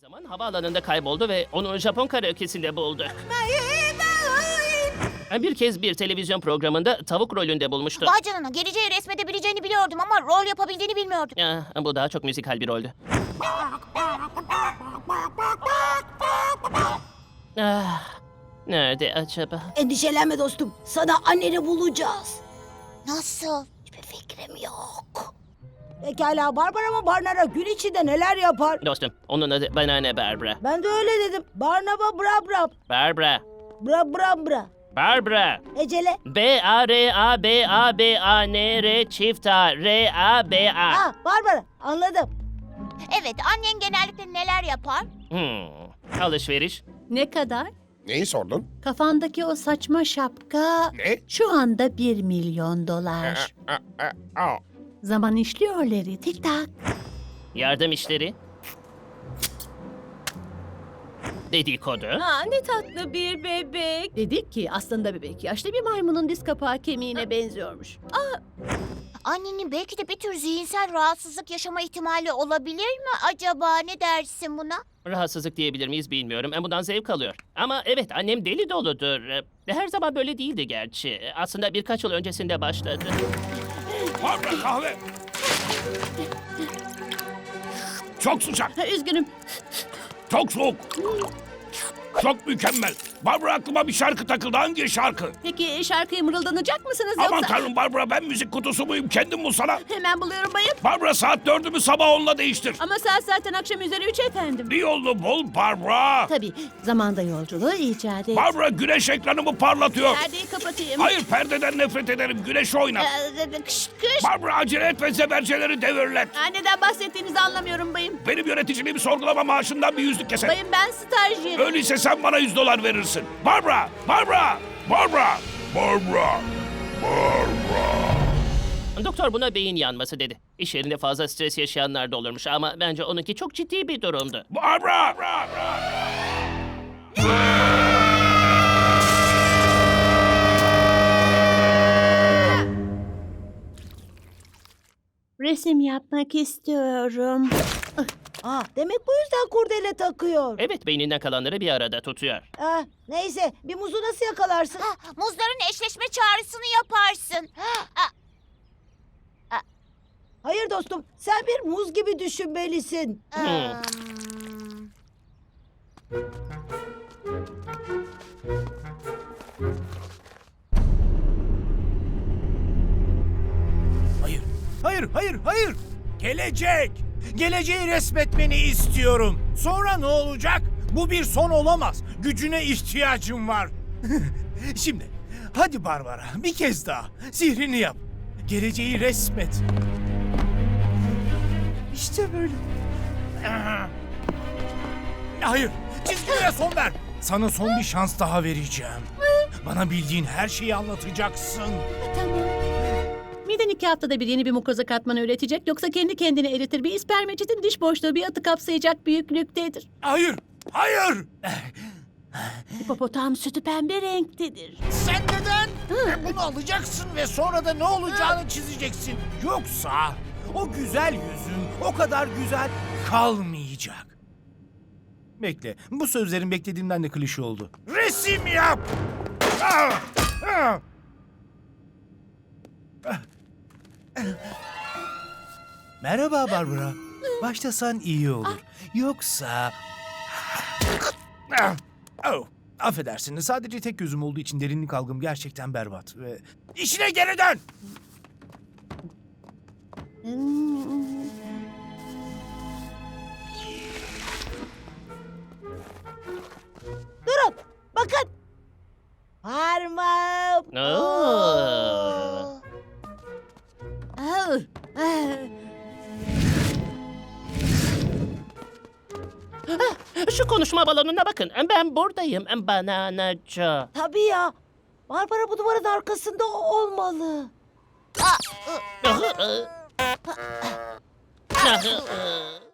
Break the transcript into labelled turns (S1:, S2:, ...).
S1: zaman havaalanında kayboldu ve onu Japon karaoke'sinde buldu. Bir kez bir televizyon programında tavuk rolünde bulmuştu.
S2: Vay canına, geleceği resmedebileceğini biliyordum ama rol yapabildiğini bilmiyordum.
S1: Bu daha çok müzikal bir roldü. Nerede acaba?
S3: Endişelenme dostum. Sana anneni bulacağız.
S2: Nasıl?
S3: Hiçbir fikrim yok. Pekala Barbara ama Barnara gün içinde neler yapar?
S1: Dostum, onun adı Banana Barbara.
S3: Ben de öyle dedim. Barnaba bra bra.
S1: Barbara.
S3: Bra bra bra.
S1: Barbara.
S3: Ecele.
S1: B-A-R-A-B-A-B-A-N-R çift A. R-A-B-A.
S3: Barbara anladım.
S2: Evet, annen genellikle neler yapar?
S1: Alışveriş.
S4: Ne kadar?
S5: Neyi sordun?
S4: Kafandaki o saçma şapka
S5: Ne?
S4: şu anda $1.000.000. Zaman işliyor Larry. Tik tak.
S1: Yardım işleri. Dedikodu.
S4: Aa, ne tatlı bir bebek. Dedik ki aslında bebek yaşlı bir maymunun diz kapağı kemiğine benziyormuş.
S2: Annenin belki de bir tür zihinsel rahatsızlık yaşama ihtimali olabilir mi acaba? Ne dersin buna?
S1: Rahatsızlık diyebilir miyiz bilmiyorum. Bundan zevk alıyor. Ama evet, annem deli doludur. Her zaman böyle değildi gerçi. Aslında birkaç yıl öncesinde başladı.
S5: Barbara kahve. Çok sıcak,
S4: Üzgünüm.
S5: çok soğuk. Çok mükemmel. Barbara aklıma bir şarkı takıldı. Hangi şarkı?
S4: Peki şarkıyı mırıldanacak mısınız
S5: Aman
S4: yoksa?
S5: tanrım Barbara, ben müzik kutusu muyum? Kendim bulsana.
S4: Hemen buluyorum bayım.
S5: Barbara, saat 4'ümü sabah 10'la değiştir.
S4: Ama saat zaten akşam üzeri 3 efendim.
S5: Bir yolunu bul Barbara.
S4: Tabii zamanda yolculuğu icat et.
S5: Barbara, güneş ekranımı parlatıyor.
S4: Perdeyi kapatayım.
S5: Hayır, perdeden nefret ederim. Güneş oynat.
S4: Kış kış.
S5: Barbara, acele et ve zeberceleri devirlet.
S4: Neden bahsettiğinizi anlamıyorum bayım.
S5: Benim yöneticiliğimi sorgulama, maaşından bir %100 keser.
S4: Bayım ben stajyerim.
S5: Öyleyse sen bana $100 verirsin. Barbara! Barbara! Barbara! Barbara! Barbara!
S1: Doktor buna beyin yanması dedi. İş yerinde fazla stres yaşayanlar da olurmuş ama bence onunki çok ciddi bir durumdu.
S5: Barbara!
S4: Resim yapmak istiyorum.
S3: Demek bu yüzden kurdele takıyor.
S1: Evet, beyninden kalanları bir arada tutuyor.
S3: Neyse bir muzu nasıl yakalarsın?
S2: Muzların eşleşme çağrısını yaparsın.
S3: Hayır dostum sen bir muz gibi düşünmelisin.
S6: Hayır, hayır, hayır, hayır. Gelecek. Geleceği resmetmeni istiyorum. Sonra ne olacak? Bu bir son olamaz. Gücüne ihtiyacım var. Şimdi, hadi Barbara, bir kez daha. Sihrini yap. Geleceği resmet. İşte böyle. Hayır, çizgilere son ver. Sana son bir şans daha vereceğim. Bana bildiğin her şeyi anlatacaksın.
S4: Tamam. Miden 2 haftada bir yeni bir mukoza katmanı üretecek yoksa kendi kendine eritir. Bir ispermeçetin diş boşluğu bir atı kapsayacak büyüklüktedir.
S6: Hayır, hayır.
S4: Hipopotam sütü pembe renktedir.
S6: Sen neden? Bunu alacaksın ve sonra da ne olacağını çizeceksin. Yoksa o güzel yüzün o kadar güzel kalmayacak. Bekle, bu sözlerin beklediğimden de klişe oldu. Resim yap! Merhaba Barbara. Başlasan iyi olur. Yoksa... Affedersin, sadece tek gözüm olduğu için derinlik algım gerçekten berbat ve... İşine geri dön!
S3: Durun bakın. Parmağım.
S1: Oo. Şu konuşma balonuna bakın. Ben buradayım. Banana Joe.
S3: Tabii ya. Barbara bu duvarın arkasında olmalı.
S1: Ah, ah.